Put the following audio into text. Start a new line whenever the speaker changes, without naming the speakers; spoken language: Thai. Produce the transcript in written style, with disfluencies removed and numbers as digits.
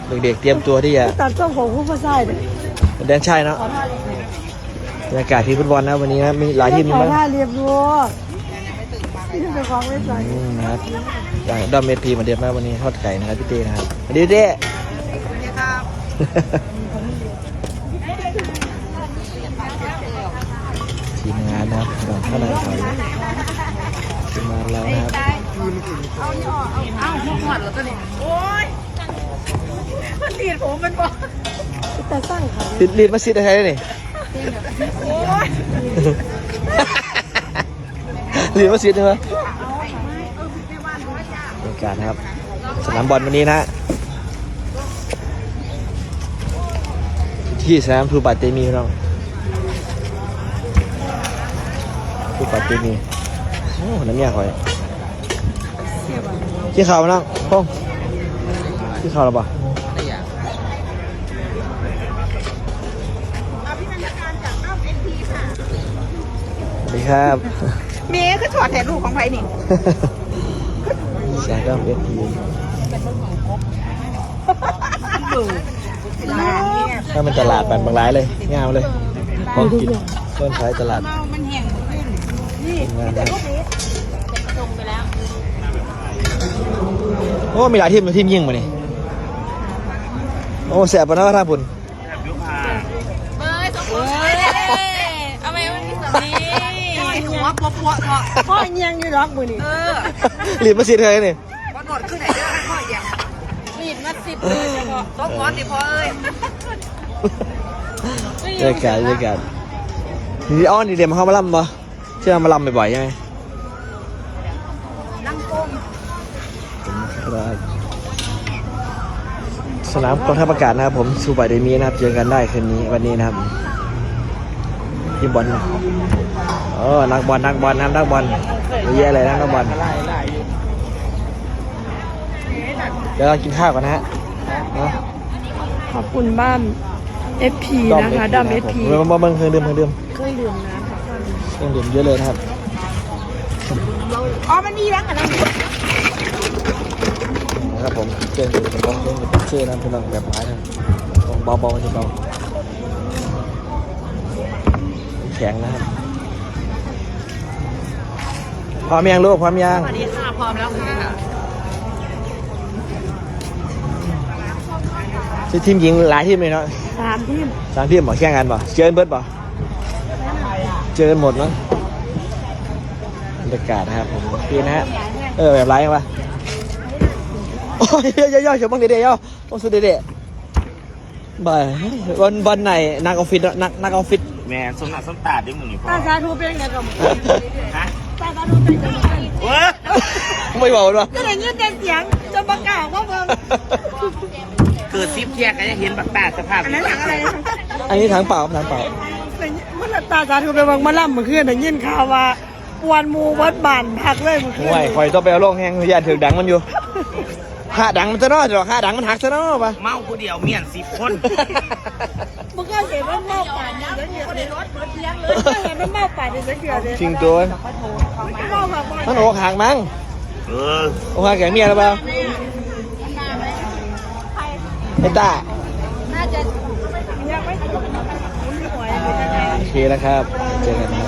เด็กๆเตรียมตัวที่จะ
ตัดต้นของผู้ประสายเลย
แดนใช่เนาะบรรยากาศที่ฟุตบอลนะวันนี้นะมีหลายทีมอยู่มั้ง
ท่าเรียบร้อยนี่เป็นของไม่ใส่
นะครับอย่างดอมเมทีมาเดียบมากวันนี้ทอดไก่นะครับพี่เต้นะครับสวัสดีเต้ทีมงานนะครับข้างในเขาทีมงานเรานะครับ
เอาหัวหอดแล้วตัวนี้โอ้ยมันตีดผมมันบอก
แต่สร้างเขา
ติดลีดมาซิดอะไรนี่
โอ้ย
ลีดมาซิดใช่ไหมบรรยากาศนะครับสนามบอลวันนี้นะที่สนามทูปาเตมีน้องทูปาเตมีโอ้น้ำยาคอยขี้ข่าวน้องพ้องขี้ข่าวหรือเปล่าสวัสดีครับ
เมียคือถอดแทนลูกของไผ่นี่
แสงก็เวทีถ้ามันตลาดแบบบางร้ายเลยงามเลยของกินต้นขายตลาด
มันแห้งหมดเลยนี่
งานนะ
ลงไปแล้ว
โอ้มีหลายทีมยิงมานี่โอ้แสบปะนะท่าบุญ
เบ้ยสองคนเอาไปวันที่สองนี้หัวปัวเถอะ
พ่อยังอยู่รักมือนี่
รีบมาสิเธอเนี่ย
พอหนวดขึ้นไหนเด้อพ่ออย่างรีดมา10เลยเฉพาะต้องงอนดิพ่อเอ้ย
เจอกันนี่อ้อนนี่เดี๋ยวมาเข้ามาล่ำปะเชื่อมาล่ำบ่อยๆใช่ไหม
นั่งก้ม
สนามกองทัพอากาศนะครับผมซูบายเดมีนะครับเจอกันได้คืนนี้วันนี้นะครับทีมบอลนะนักบอลนะครับนักบอลเยอะแยะเลยนะนักบอลเดี๋ยวเรากินข้าวกันนะฮะ
ขอบคุณบ้าน FP นะคะดอม FP
เบิ่งเครื่องดื่ม
เครื่องดื่มนะ
เครื่องดื่มเยอะเลยนะครับ
อ๋อมันมีแล้วกันนะ
นะครับผมเครื่องดื่มเครื่องดื่มเชื่อนะพี่น้องแบบไม้นะเบาๆมันจะเบาแข็งนะครับพร้อมยังลูกพร้อมยัง
สวัสดีค่ะพร้อมแล้วค่ะ
ชื่อทีมหญิงหลายทีมเลยเนาะ
3 ทีม
3 ทีมหมอแข่งกันป่ะเจอเบิร์ดป่ะเจอกันหมดเนาะบรรยากาศนะครับผมดีนะฮะแบบไรวะโอ้ยย่อๆเฉยบ้างเด็ดๆย่อโอ้สุดเด็ดๆบ่ายวันไหนนักออฟฟิศนักออฟฟิศ
แม่สมนักสมตาดิมึงนี่พ่อ
ตาสาธุเป็นไงกับ
ฮะ
ตาสาธุเป็นไงกับ
เว้ย
ไม่บอกด้วย
ก็ได้ยินแต่เสียงจะประกาศว่าเพิ่ม
เกิดซิปแยกก็จะเห็นแบบตาสภาพ
อันนั้นหลังอะไรนะ
อันนี้ถังเปล่าถังเปล่า
มันตาสาธุไปวังมาล่ำเมื่อคืนได้ยินข่าวว่าปวนมูวัดบ้านพักเลยเมื่อคืน
ห่วยคอยต้องไปเอาลงแห้งอย่าถือดังมันอยู่ค่าดังมันจะน้อยหรอค่าดังมันหักซะน้อยป่ะ
เมาผู้เดียวเมียน10 คน
มึงก็เห็นว่าเมาป่านนี่แล้วเนี่ยเลยก็เห็นว่าเมาป่านนี่แล้วเดี๋ยวเลย
จริงตัว
เมาแบบ
มันโอ้ห่างมั้ง
เออ
โอ้ห่างแก่เมียหรือเปล่าไอ้ตา
น่าจะยังไม่หวย
โอเคแล้วครับเจอกันครับ